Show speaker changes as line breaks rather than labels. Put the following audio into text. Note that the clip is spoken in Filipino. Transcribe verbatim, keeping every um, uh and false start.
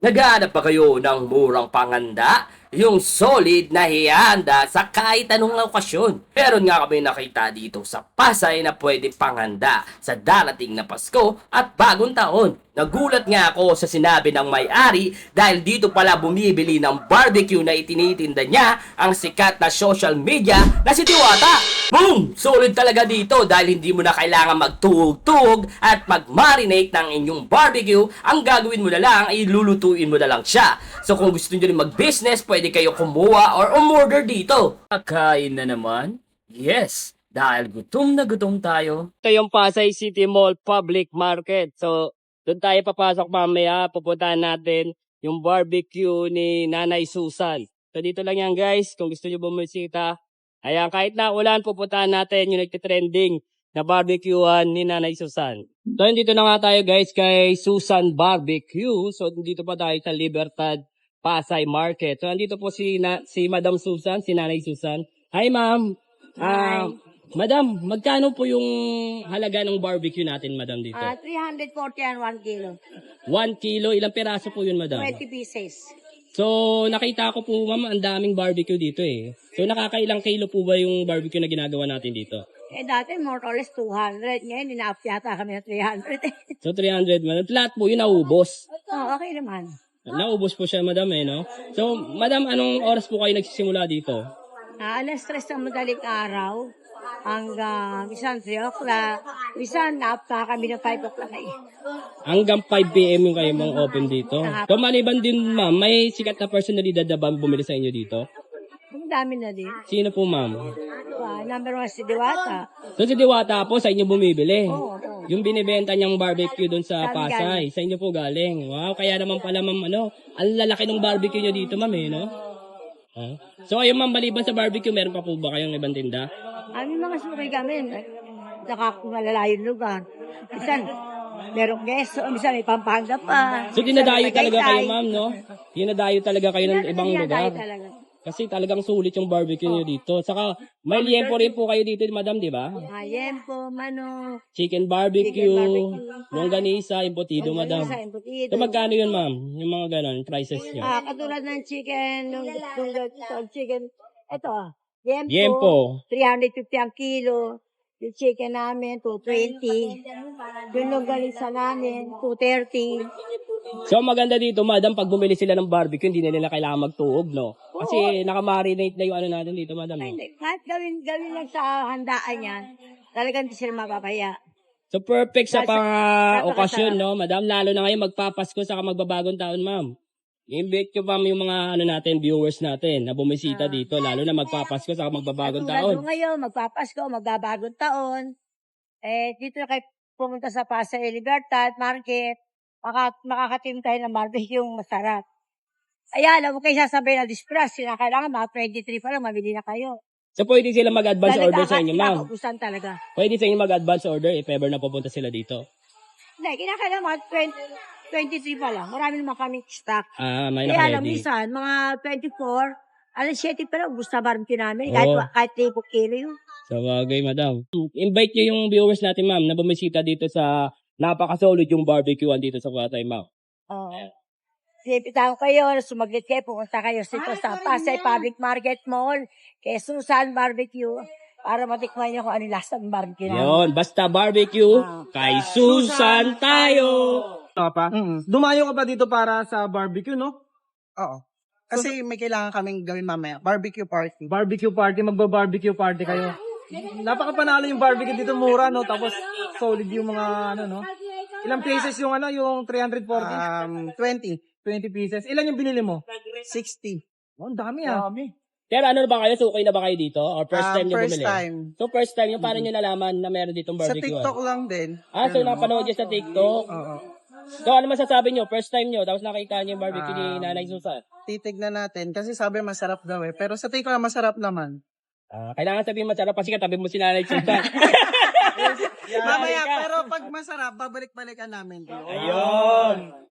Naghahanap ba kayo ng murang panganda? Yung solid na hihanda sa kahit anong okasyon. Meron nga kami nakita dito sa Pasay na pwede panganda sa darating na Pasko at bagong taon. Nagulat nga ako sa sinabi ng may-ari dahil dito pala bumibili ng barbecue na itinitinda niya ang sikat na social media na si Diwata. Boom! Solid talaga dito dahil hindi mo na kailangan magtuhog-tuhog at mag-marinate ng inyong barbecue. Ang gagawin mo na lang ay lulutuin mo na lang siya. So kung gusto nyo rin mag-business, pwede kayo kumuha or umorder dito. Kakain na naman? Yes! Dahil gutom na gutom tayo. Ito yung Pasay City Mall Public Market. So, doon tayo papasok mamaya. Pupuntahan natin yung barbecue ni Nanay Susan. So, dito lang yan guys. Kung gusto nyo bumisita. Ayan, kahit na ulan, pupuntahan natin yung nagtitrending na barbecuean ni Nanay Susan. So, dito na nga tayo guys kay Susan Barbecue. So, dito pa tayo sa Libertad Pasay Market. So, andito po si, na, si Madam Susan, si Nanay Susan. Hi, ma'am. Ah, Madam, magkano po yung halaga ng barbecue natin, Madam, dito?
Ah, three hundred forty and one kilo.
One kilo, ilang peraso po yun, Madam?
twenty pieces.
So, nakita ko po, ma'am, ang daming barbecue dito eh. So, nakakailang kilo po ba yung barbecue na ginagawa natin dito?
Eh, dati more or less two hundred. Ngayon, ina-up yata kami na three hundred.
So, three hundred, Madam. Lahat po yun naubos.
oh, okay naman.
Naubos po siya, Madam, eh, no? So, Madam, anong oras po kayo nagsisimula dito?
Ah, alas tres ng madaling araw hanggang isang three o'clock. Isang na-up na kami ng five o'clock eh.
Hanggang five p m yung kayo mga open dito. So, maliban din, ma'am, may sikat na personalidad na ba bumili sa inyo dito?
Ang dami na din.
Sino po, ma'am?
Ah, number one si Diwata.
So, si Diwata po, sa inyo bumibili.
Oo, oo.
Yung binibenta niyang barbecue doon sa
Galing,
Pasay, sa inyo po galing. Wow, kaya naman pala, ma'am, ano, ang lalaki ng barbecue niyo dito, ma'am, eh, no? Huh? So, ayun, ma'am, maliban sa barbecue, meron pa po ba kayong ibang tinda?
Aming mga suki kami. Saka kung malalayong lugar. Minsan, merong keso. Minsan may Pampanga pa.
So,
minsan
dinadayo
may
talaga kayo,
Tagaytay.
ma'am, no? Dinadayo talaga kayo ng ibang
Dinadayo
lugar.
talaga.
Kasi talagang sulit yung barbecue niyo dito. Saka, may liempo rin po kayo dito, madam, di ba?
Ayempo, mano,
Chicken barbecue,
Chicken barbecue.
longganisa, embutido, madam.
sa embutido.
So, magkano yun, ma'am? Yung mga ganon, prices niyo.
Ah, katulad ng chicken, nung, nung, nung chicken, ito, yempo,
Yempo.
three hundred fifty ang kilo. Yung chicken namin, two twenty. Yung longganisa namin, two thirty.
So, maganda dito, madam, pag bumili sila ng barbecue, hindi na nila kailangan magtuog, no? Kasi nakamarinate na yung ano natin dito, madam.
Ay,
eh.
hindi. Kahit gawin, gawin lang sa handaan yan, talagang hindi sila mapapaya.
So, perfect sa
Nasa-
pang
napakasarap.
okasyon, no, madam? Lalo na ngayon, magpapasko saka magbabagong taon, ma'am. I-invite ko, ma'am, yung mga ano natin, viewers natin na bumisita dito, lalo na magpapasko saka magbabagong
Tulad
taon.
nung ngayon, magpapasko, magbabagong taon. Eh, dito na kayo pumunta sa Pasay Libertad Market, maka, makakatim tayo ng barbecue yung masarap. Ayan, alam mo kayo sasabihin na dispress, sila kailangan mga twenty-three pa lang, mabili na kayo.
So, pwede sila mag-advance
Dahil
order sa inyo, ma'am.
kinakaubusan talaga.
Pwede sa inyo mag-advance order if ever na pupunta sila dito.
Hindi, kinakailangan mga twenty, twenty-three pa lang. Marami naman kaming stock.
Ah, may
Kaya alam,
naka-ready.
minsan, mga twenty-four, alas seven pa lang, gusto barbecue namin. Kahit,
Oo.
kahit three kilo yun.
Sa bagay, madam. Invite nyo yung viewers natin, ma'am, na bumisita dito sa napaka-solid yung barbecuean dito sa Pasay, ma'am.
Oo. Sipitahan kayo, sumaglit kayo, pumunta kayo dito sa Pasay Public Market Mall, kay Susan Barbecue, para matikman nyo kung ano yung lasa ng barbecue namin.
Yun, basta barbecue,
Ah.
kay Susan tayo!
Ka pa?
Mm.
Dumayo ka pa dito para sa barbecue, no?
Oo. Kasi may kailangan kaming gawin mamaya. Barbecue party.
Barbecue party, magba-barbecue party kayo. Napakapanalo yung barbecue dito, mura, no? Tapos solid yung mga, ano, no? Ilang pieces yung, ano, yung three forty?
Um, twenty.
twenty pieces. Ilan yung binili mo?
sixty.
Oh, ang dami, ah.
Pero ano na ba kayo? Sukay na ba kayo dito? Or first
Um,
time nyo
first
bumili?
time.
So first time yung paano nyo nalaman na meron ditong
Sa
barbecue?
TikTok lang din.
Ah, so napanood nyo sa TikTok?
Oo.
So ano masasabi nyo? First time nyo, tapos nakita nyo yung barbecue ni
Um,
Nanay Susan?
Titignan natin. Kasi sabi masarap daw eh. Pero sa TikTok lang masarap naman.
Ah, kailangan sabihin masarap kasi katabi mo si Nanay Susan.
Mamaya, pero pag masarap, babalik-balikan namin.
Ayun!